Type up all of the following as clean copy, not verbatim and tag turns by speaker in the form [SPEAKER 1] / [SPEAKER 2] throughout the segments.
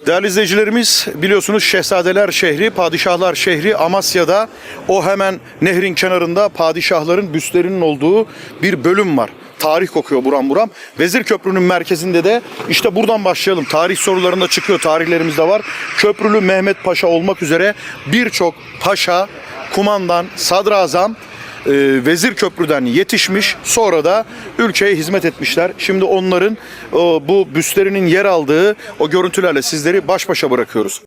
[SPEAKER 1] Değerli izleyicilerimiz, biliyorsunuz Şehzadeler şehri, Padişahlar şehri Amasya'da, o hemen nehrin kenarında padişahların büstlerinin olduğu bir bölüm var. Tarih kokuyor buram buram. Vezir Köprü'nün merkezinde de işte buradan başlayalım. Tarih sorularında çıkıyor, tarihlerimiz de var. Köprülü Mehmet Paşa olmak üzere birçok paşa, kumandan, sadrazam Vezir Köprü'den yetişmiş, sonra da ülkeye hizmet etmişler. Şimdi onların bu büstlerinin yer aldığı o görüntülerle sizleri baş başa bırakıyoruz.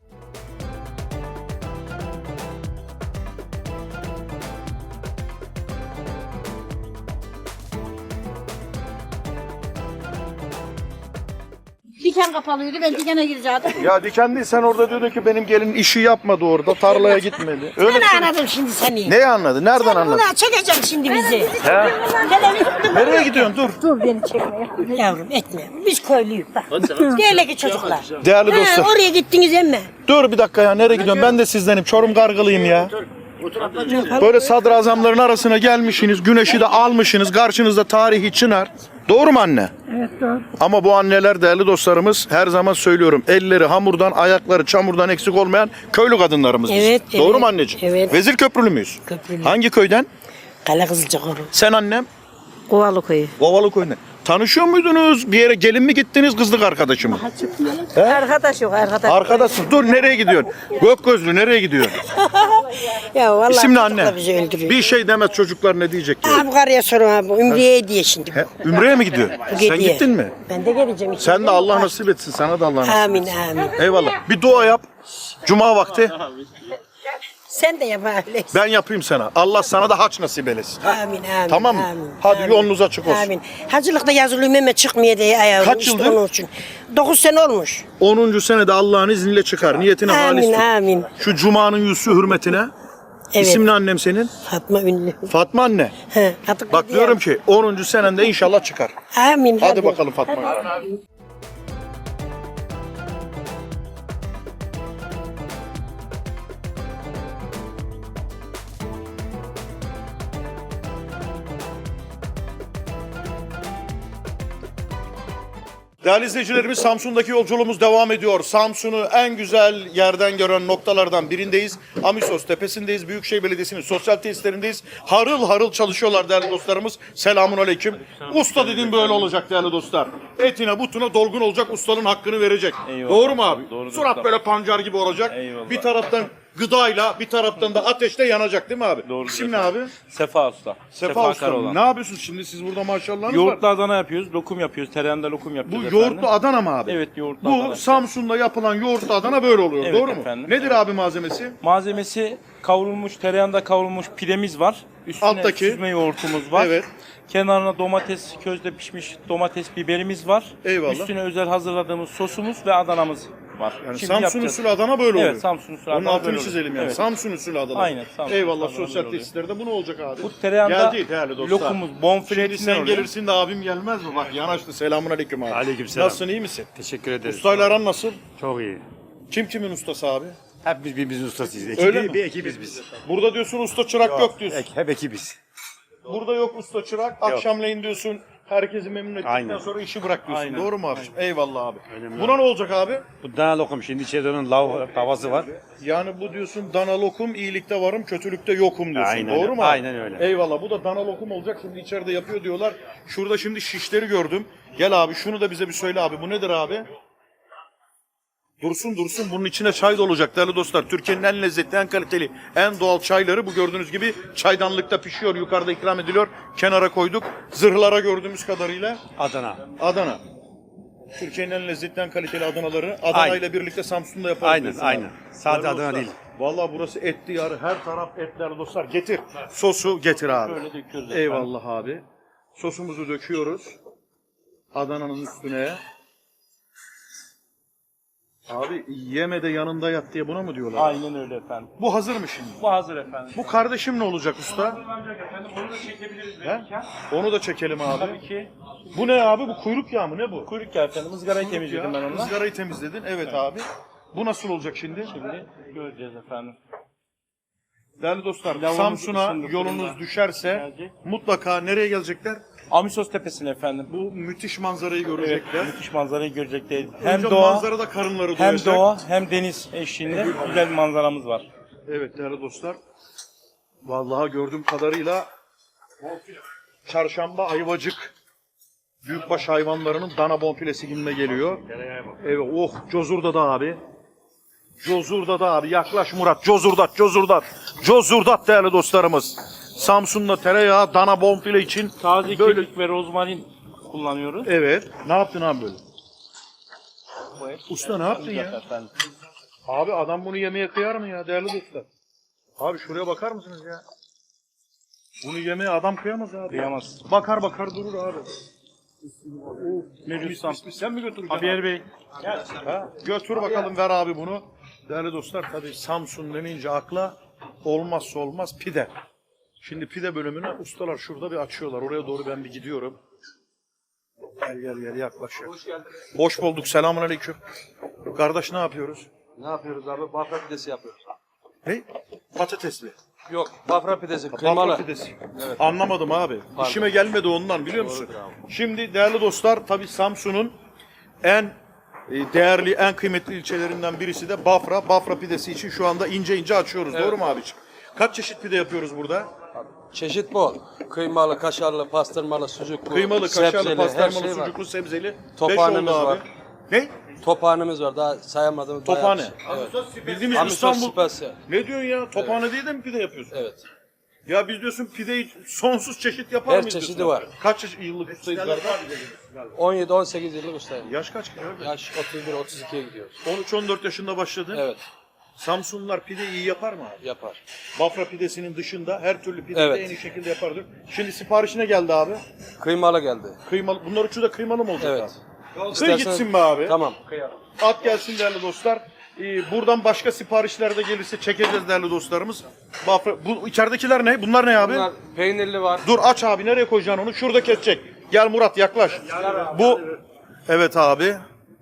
[SPEAKER 2] Diken kapalıydı, ben dikene girecektim.
[SPEAKER 1] Ya diken değil, sen orada diyordun ki benim gelin işi yapmadı orada, tarlaya gitmedi. Öyle
[SPEAKER 2] Ben anladım şimdi seni.
[SPEAKER 1] Neyi anladı? Nereden
[SPEAKER 2] Sen
[SPEAKER 1] anladın?
[SPEAKER 2] buna çekeceksin şimdi bizi.
[SPEAKER 1] He?
[SPEAKER 2] Televizyon.
[SPEAKER 1] Nereye gidiyorsun? Dur.
[SPEAKER 2] Dur beni çekme. Yavrum etme. Biz köylüyüz bak. Diğerleki çocuklar.
[SPEAKER 1] Değerli
[SPEAKER 2] He,
[SPEAKER 1] dostlar.
[SPEAKER 2] oraya gittiniz emme.
[SPEAKER 1] Dur bir dakika ya, nereye gidiyorsun? Ben de sizdenim. Çorum Gargılıyım ya. Böyle sadrazamların arasına gelmişsiniz, güneşi de almışsınız, karşınızda tarihi çınar. Doğru mu anne?
[SPEAKER 2] Evet doğru.
[SPEAKER 1] Ama bu anneler, değerli dostlarımız, her zaman söylüyorum, elleri hamurdan, ayakları çamurdan eksik olmayan köylü kadınlarımız biz.
[SPEAKER 2] Evet,
[SPEAKER 1] Doğru
[SPEAKER 2] evet,
[SPEAKER 1] mu anneciğim?
[SPEAKER 2] evet.
[SPEAKER 1] Vezir Köprülü müyüz?
[SPEAKER 2] Köprülü.
[SPEAKER 1] Hangi köyden?
[SPEAKER 2] Kale Kızılcakoru.
[SPEAKER 1] Sen annem?
[SPEAKER 2] Kovalı köyü.
[SPEAKER 1] Kovalı köyünden. Tanışıyor muydunuz? Bir yere gelin mi gittiniz, kızlık arkadaşı mı?
[SPEAKER 2] Arkadaş yok arkadaş.
[SPEAKER 1] Arkadaşsın. Dur, nereye gidiyorsun? Gökgözlü, nereye gidiyorsun?
[SPEAKER 2] Ya vallahi
[SPEAKER 1] İsim ne
[SPEAKER 2] çocuklar
[SPEAKER 1] anne?
[SPEAKER 2] bizi öldürüyor.
[SPEAKER 1] Bir şey demez, çocuklar ne diyecek ki?
[SPEAKER 2] Abi karıya sorun abi. Ümriye diye şimdi.
[SPEAKER 1] He, Ümre'ye mi gidiyor? Sen
[SPEAKER 2] Gidiyor.
[SPEAKER 1] gittin mi?
[SPEAKER 2] Ben de geleceğim.
[SPEAKER 1] Sen de Allah nasip etsin. Sana da Allah nasip etsin.
[SPEAKER 2] Amin amin.
[SPEAKER 1] Eyvallah. Bir dua yap. Cuma vakti.
[SPEAKER 2] Sen de yap öyle.
[SPEAKER 1] Ben yapayım sana. Allah sana da haç nasip eylesin.
[SPEAKER 2] Amin amin.
[SPEAKER 1] Tamam mı?
[SPEAKER 2] Amin,
[SPEAKER 1] Hadi
[SPEAKER 2] amin.
[SPEAKER 1] yolunuz açık olsun.
[SPEAKER 2] Amin. Hacılıkta yazılıyım ama çıkmıyor diye ayağım.
[SPEAKER 1] Kaç
[SPEAKER 2] İşte
[SPEAKER 1] yıldır?
[SPEAKER 2] onun için. 9 sene olmuş.
[SPEAKER 1] 10. senede Allah'ın izniyle çıkar. Niyetine halis
[SPEAKER 2] Amin
[SPEAKER 1] tut.
[SPEAKER 2] amin.
[SPEAKER 1] Şu Cuma'nın yüzü hürmetine.
[SPEAKER 2] Evet.
[SPEAKER 1] İsim ne annem senin?
[SPEAKER 2] Fatma Ünlü.
[SPEAKER 1] Fatma anne.
[SPEAKER 2] He, artık
[SPEAKER 1] Bak diyorum ki 10. senende inşallah çıkar.
[SPEAKER 2] Amin.
[SPEAKER 1] Hadi bakalım Fatma. Değerli izleyicilerimiz, Samsun'daki yolculuğumuz devam ediyor. Samsun'u en güzel yerden gören noktalardan birindeyiz. Amisos Tepesi'ndeyiz. Büyükşehir Belediyesi'nin sosyal tesislerindeyiz. Harıl harıl çalışıyorlar değerli dostlarımız. Selamun aleyküm. Usta dediğim böyle olacak değerli dostlar. Etine butuna dolgun olacak, ustanın hakkını verecek.
[SPEAKER 3] Eyvallah.
[SPEAKER 1] Doğru mu abi?
[SPEAKER 3] Doğrudur
[SPEAKER 1] Surat
[SPEAKER 3] usta.
[SPEAKER 1] böyle pancar gibi olacak.
[SPEAKER 3] Eyvallah.
[SPEAKER 1] Bir taraftan gıdayla, bir taraftan da ateşle yanacak değil mi abi?
[SPEAKER 3] Doğrudur
[SPEAKER 1] İsim ne abi?
[SPEAKER 3] Sefa Usta.
[SPEAKER 1] Sefa Usta.
[SPEAKER 3] Karaoğlan.
[SPEAKER 1] Ne yapıyorsunuz şimdi siz burada maşallahınız var?
[SPEAKER 3] Yoğurtlu Adana yapıyoruz, lokum yapıyoruz, tereyağında lokum
[SPEAKER 1] Bu
[SPEAKER 3] yapıyoruz
[SPEAKER 1] yoğurtlu Adana mı abi?
[SPEAKER 3] Evet, yoğurtlu
[SPEAKER 1] Bu
[SPEAKER 3] Adana.
[SPEAKER 1] Samsun'da yapılan yoğurtlu Adana böyle oluyor,
[SPEAKER 3] Evet
[SPEAKER 1] doğru mu?
[SPEAKER 3] efendim.
[SPEAKER 1] Nedir abi malzemesi?
[SPEAKER 3] Malzemesi kavrulmuş, tereyağında kavrulmuş pidemiz var. Üstüne
[SPEAKER 1] Alttaki.
[SPEAKER 3] süzme yoğurtumuz var.
[SPEAKER 1] Evet.
[SPEAKER 3] Kenarına domates, közde pişmiş domates biberimiz var.
[SPEAKER 1] Eyvallah.
[SPEAKER 3] Üstüne özel hazırladığımız sosumuz ve Adana'mız var.
[SPEAKER 1] Yani
[SPEAKER 3] Şimdi
[SPEAKER 1] Samsun
[SPEAKER 3] yapacağız.
[SPEAKER 1] usulü Adana böyle oluyor.
[SPEAKER 3] Evet, Samsun usulü
[SPEAKER 1] Onun
[SPEAKER 3] Adana
[SPEAKER 1] altını
[SPEAKER 3] böyle oluyor.
[SPEAKER 1] çizelim yani.
[SPEAKER 3] Evet.
[SPEAKER 1] Samsun usulü Adana.
[SPEAKER 3] Aynen, Samsun
[SPEAKER 1] Eyvallah,
[SPEAKER 3] usulü Adana
[SPEAKER 1] sosyal
[SPEAKER 3] böyle oluyor.
[SPEAKER 1] tesislerde bu ne olacak abi?
[SPEAKER 3] Bu tereyağında
[SPEAKER 1] Geldi değerli dostlar.
[SPEAKER 3] lokumuz, bonfile
[SPEAKER 1] Şimdi
[SPEAKER 3] etinden
[SPEAKER 1] sen
[SPEAKER 3] oluyor.
[SPEAKER 1] gelirsin de abim gelmez mi? Bak yanaştı. Selamun aleyküm abi.
[SPEAKER 4] Aleykümselam.
[SPEAKER 1] Nasılsın, iyi misin?
[SPEAKER 4] Teşekkür ederiz.
[SPEAKER 1] Ustayla aran nasıl?
[SPEAKER 4] Çok iyi.
[SPEAKER 1] Kim kimin ustası abi?
[SPEAKER 4] Hep biz birbirimizin ustasıyız.
[SPEAKER 1] Öyle mi?
[SPEAKER 4] Bir ekibiz biz.
[SPEAKER 1] Burada diyorsun usta çırak yok diyorsun.
[SPEAKER 4] Hep ekibiz.
[SPEAKER 1] Burada yok usta çırak. Akşamleyin diyorsun. Herkesi memnun ettikten
[SPEAKER 4] Aynen.
[SPEAKER 1] sonra işi bırak diyorsun.
[SPEAKER 3] Aynen.
[SPEAKER 1] Doğru mu abiciğim? Eyvallah abi.
[SPEAKER 4] Önemli.
[SPEAKER 1] Buna ne olacak abi?
[SPEAKER 4] Bu dana lokum şimdi içeride onun lav tavası var.
[SPEAKER 1] Yani bu diyorsun dana lokum, iyilikte varım, kötülükte yokum diyorsun.
[SPEAKER 4] Aynen,
[SPEAKER 1] Doğru mu abi?
[SPEAKER 4] aynen öyle.
[SPEAKER 1] Eyvallah. Bu da dana lokum olacak. Şimdi içeride yapıyor diyorlar. Şurada şimdi şişleri gördüm. Gel abi şunu da bize bir söyle abi. Bu nedir abi? Dursun dursun. Bunun içine çay da olacak değerli dostlar. Türkiye'nin en lezzetli, en kaliteli, en doğal çayları bu gördüğünüz gibi çaydanlıkta pişiyor. Yukarıda ikram ediliyor. Kenara koyduk. Zırhlara gördüğümüz kadarıyla
[SPEAKER 4] Adana.
[SPEAKER 1] Adana. Türkiye'nin en lezzetli, en kaliteli Adanaları Adana
[SPEAKER 4] Aynen.
[SPEAKER 1] ile birlikte Samsun'da yaparız.
[SPEAKER 4] Aynen,
[SPEAKER 1] diyorsun
[SPEAKER 4] aynen.
[SPEAKER 1] abi.
[SPEAKER 4] Sadece
[SPEAKER 1] Değerli
[SPEAKER 4] Adana
[SPEAKER 1] dostlar,
[SPEAKER 4] değil.
[SPEAKER 1] Vallahi burası etli yarı. Her taraf etler dostlar. Getir. Sosu getir abi.
[SPEAKER 3] Böyle döküyoruz efendim.
[SPEAKER 1] Eyvallah abi. Sosumuzu döküyoruz. Adana'nın üstüne. Abi yeme de yanında yat diye buna mı diyorlar?
[SPEAKER 3] Aynen öyle efendim.
[SPEAKER 1] Bu hazır mı şimdi?
[SPEAKER 3] Bu hazır efendim.
[SPEAKER 1] Bu kardeşim ne olacak usta?
[SPEAKER 3] Hazırlanacak efendim. Onu da çekebiliriz
[SPEAKER 1] He?
[SPEAKER 3] verirken.
[SPEAKER 1] Onu da çekelim abi.
[SPEAKER 3] Tabii ki.
[SPEAKER 1] Bu ne abi? Bu kuyruk yağı mı? Ne bu?
[SPEAKER 3] Kuyruk yağı efendim. Izgarayı temizledim ben onunla.
[SPEAKER 1] Izgarayı temizledin. Evet abi. Bu nasıl olacak şimdi?
[SPEAKER 3] Şimdi göreceğiz efendim.
[SPEAKER 1] Değerli dostlar,
[SPEAKER 3] Lavabomuz
[SPEAKER 1] Samsun'a
[SPEAKER 3] ısındı,
[SPEAKER 1] yolunuz
[SPEAKER 3] fırında
[SPEAKER 1] düşerse
[SPEAKER 3] gelecek.
[SPEAKER 1] mutlaka nereye gelecekler?
[SPEAKER 3] Amisos Tepesi'ne efendim.
[SPEAKER 1] Bu müthiş manzarayı görecekler.
[SPEAKER 3] Müthiş manzarayı görecekler.
[SPEAKER 1] Hem
[SPEAKER 3] Hem doğa,
[SPEAKER 1] manzarada karınları
[SPEAKER 3] hem
[SPEAKER 1] doyacak.
[SPEAKER 3] doğa, hem deniz eşliğinde güzel bir manzaramız var.
[SPEAKER 1] Evet değerli dostlar. Vallahi gördüğüm kadarıyla çarşamba ayvacık büyükbaş hayvanlarının dana bonfilesi gününe geliyor. Evet, oh Cozur'da da abi. Cozur'da da abi. Yaklaş Murat. Cozur'dat değerli dostlarımız. Samsun'da tereyağı dana bonfile için
[SPEAKER 3] Taze
[SPEAKER 1] böyle.
[SPEAKER 3] kekik ve rozmarin kullanıyoruz.
[SPEAKER 1] Evet. Ne yaptın abi böyle?
[SPEAKER 3] Bu et
[SPEAKER 1] Usta ne yaptın ya?
[SPEAKER 3] efendim.
[SPEAKER 1] Abi adam bunu yemeye kıyar mı ya değerli dostlar? Abi şuraya bakar mısınız ya? Bunu yemeye adam kıyamaz abi.
[SPEAKER 3] Kıyamaz.
[SPEAKER 1] Bakar durur abi.
[SPEAKER 3] Mevcut Sam.
[SPEAKER 1] Sen mi götüreceksin?
[SPEAKER 3] Habiyer Bey.
[SPEAKER 1] Ha? Götür bakalım ver abi bunu. Değerli dostlar tabii Samsun denince akla olmazsa olmaz pide. Şimdi pide bölümüne ustalar şurada bir açıyorlar. Oraya doğru ben bir gidiyorum. Gel yaklaş. Hoş bulduk. Selamünaleyküm. Kardeş ne yapıyoruz?
[SPEAKER 5] Ne yapıyoruz abi? Bafra pidesi yapıyoruz.
[SPEAKER 1] Ne? Patatesli.
[SPEAKER 5] Yok, bafra pidesi,
[SPEAKER 1] Bafra
[SPEAKER 5] kıymalı.
[SPEAKER 1] pidesi. Anlamadım abi. İşime gelmedi ondan biliyor musun? Şimdi değerli dostlar tabii Samsun'un en değerli, en kıymetli ilçelerinden birisi de Bafra. Bafra pidesi için şu anda ince açıyoruz. Doğru mu abiciğim? Kaç çeşit pide yapıyoruz burada?
[SPEAKER 5] Çeşit bol. Kıymalı, kaşarlı, pastırmalı, sucuklu,
[SPEAKER 1] Kıymalı, kaşarlı,
[SPEAKER 5] sebzeli, her
[SPEAKER 1] pastırmalı,
[SPEAKER 5] şey var.
[SPEAKER 1] sucuklu, sebzeli.
[SPEAKER 5] Tophanemiz
[SPEAKER 1] 5 oldu abi.
[SPEAKER 5] var.
[SPEAKER 1] Ne?
[SPEAKER 5] Tophanemiz var, daha sayamadığımız bayağı
[SPEAKER 1] Tophane.
[SPEAKER 5] bir şey. Evet.
[SPEAKER 1] Bildiğimiz
[SPEAKER 5] Amisos
[SPEAKER 1] İstanbul.
[SPEAKER 5] Spesiyel.
[SPEAKER 1] Ne diyorsun ya? Tophane değil de mi pide yapıyorsun?
[SPEAKER 5] Evet.
[SPEAKER 1] Ya biz diyorsun pideyi sonsuz çeşit yapar
[SPEAKER 5] Her
[SPEAKER 1] mıyız?
[SPEAKER 5] çeşidi
[SPEAKER 1] diyorsun?
[SPEAKER 5] var.
[SPEAKER 1] Kaç yıllık ustayız galiba?
[SPEAKER 5] 17-18 yıllık ustayım.
[SPEAKER 1] Yaş kaç ki abi?
[SPEAKER 5] Yaş 31-32'ye gidiyoruz.
[SPEAKER 1] 13-14 yaşında başladın.
[SPEAKER 5] Evet,
[SPEAKER 1] Samsunlular pide iyi yapar mı abi?
[SPEAKER 5] yapar.
[SPEAKER 1] Bafra pidesinin dışında her türlü pideyi
[SPEAKER 5] Evet.
[SPEAKER 1] de en iyi şekilde yapardır. Şimdi siparişine geldi abi.
[SPEAKER 5] Kıymalı geldi.
[SPEAKER 1] Kıymalı. Bunlar üçü de kıymalı mı olacak
[SPEAKER 5] Evet.
[SPEAKER 1] abi? Kıy
[SPEAKER 5] İstersen-
[SPEAKER 1] gitsin be abi.
[SPEAKER 5] Tamam.
[SPEAKER 1] At gelsin değerli dostlar. Buradan başka siparişler de gelirse çekeceğiz değerli dostlarımız. Bafra. Bu içeridekiler ne? Bunlar ne abi?
[SPEAKER 5] Bunlar peynirli var.
[SPEAKER 1] Dur aç abi nereye koyacaksın onu? Şurada kesecek. Gel Murat yaklaş. Bu evet abi.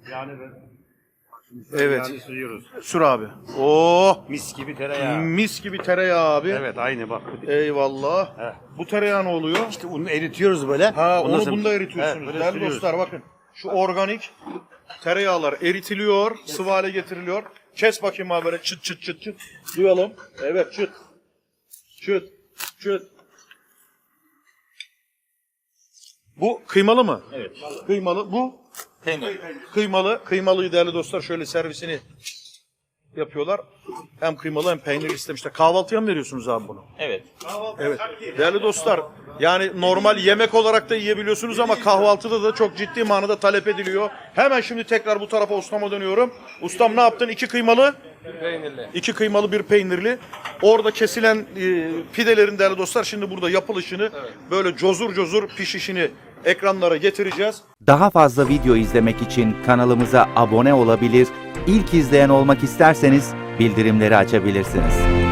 [SPEAKER 1] Evet.
[SPEAKER 4] Sürüyoruz.
[SPEAKER 1] Sür abi. Oh!
[SPEAKER 4] Mis gibi tereyağı.
[SPEAKER 1] Mis gibi tereyağı abi.
[SPEAKER 4] Evet aynı bak.
[SPEAKER 1] Eyvallah.
[SPEAKER 4] He.
[SPEAKER 1] Bu tereyağı ne oluyor?
[SPEAKER 4] İşte onu eritiyoruz böyle.
[SPEAKER 1] Ha
[SPEAKER 4] Ondan
[SPEAKER 1] onu
[SPEAKER 4] sonra-
[SPEAKER 1] bunda
[SPEAKER 4] He,
[SPEAKER 1] eritiyorsunuz.
[SPEAKER 4] böyle
[SPEAKER 1] Değerli
[SPEAKER 4] sürüyoruz.
[SPEAKER 1] dostlar bakın. Şu organik tereyağlar eritiliyor, sıvı hale getiriliyor. Kes bakayım abi böyle çıt çıt çıt çıt. Duyalım. Evet çıt. Çıt. Çıt. Bu kıymalı mı? Evet. Kıymalı. Bu?
[SPEAKER 3] Peynir.
[SPEAKER 1] Kıymalı. Kıymalıyı değerli dostlar şöyle servisini yapıyorlar. Hem kıymalı hem peynirli istemişler. Kahvaltıya mı veriyorsunuz abi bunu?
[SPEAKER 3] Evet.
[SPEAKER 1] Evet. Değerli dostlar, yani normal yemek olarak da yiyebiliyorsunuz ama kahvaltıda da çok ciddi manada talep ediliyor. Hemen şimdi tekrar bu tarafa ustama dönüyorum. Ustam ne yaptın? 2 kıymalı,
[SPEAKER 5] Peynirli.
[SPEAKER 1] 2 kıymalı, 1 peynirli. Orada kesilen pidelerin değerli dostlar şimdi burada yapılışını böyle cozur pişişini ekranlara getireceğiz.
[SPEAKER 6] Daha fazla video izlemek için kanalımıza abone olabilir, ilk izleyen olmak isterseniz bildirimleri açabilirsiniz.